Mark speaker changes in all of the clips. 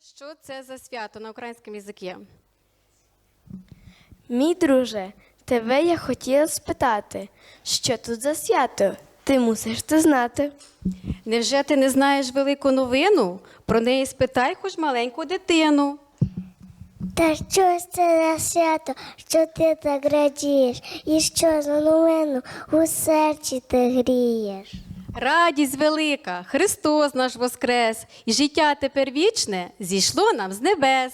Speaker 1: що це за свято на українському язикі?
Speaker 2: Мій друже, тебе я хотіла спитати, що тут за свято? Ти мусиш це знати.
Speaker 1: Невже ти не знаєш велику новину? Про неї спитай хоч маленьку дитину.
Speaker 3: Та що ж це за свято, що ти так радієш, і що за новину у серці ти грієш?
Speaker 1: Радість велика, Христос наш воскрес, і життя тепер вічне зійшло нам з небес.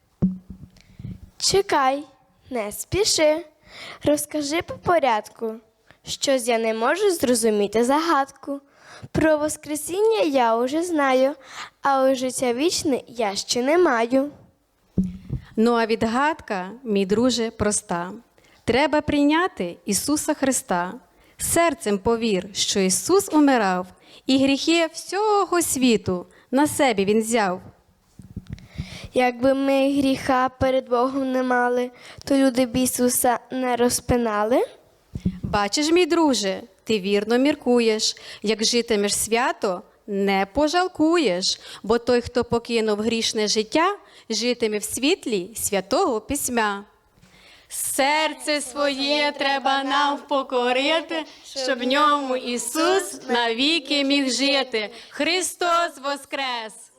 Speaker 2: Чекай, не спіши. Розкажи по порядку. Щось я не можу зрозуміти загадку. Про Воскресіння я уже знаю, а ось життя вічне я ще не маю.
Speaker 1: Ну а відгадка, мій друже, проста. Треба прийняти Ісуса Христа. Серцем повір, що Ісус умирав, і гріхи всього світу на себе Він взяв.
Speaker 2: Якби ми гріха перед Богом не мали, то люди б Ісуса не розпинали.
Speaker 1: Бачиш, мій друже, ти вірно міркуєш, як житимеш свято, не пожалкуєш, бо той, хто покинув грішне життя, житиме в світлі святого письма. Серце своє треба нам впокорити, щоб в ньому Ісус навіки міг жити. Христос воскрес!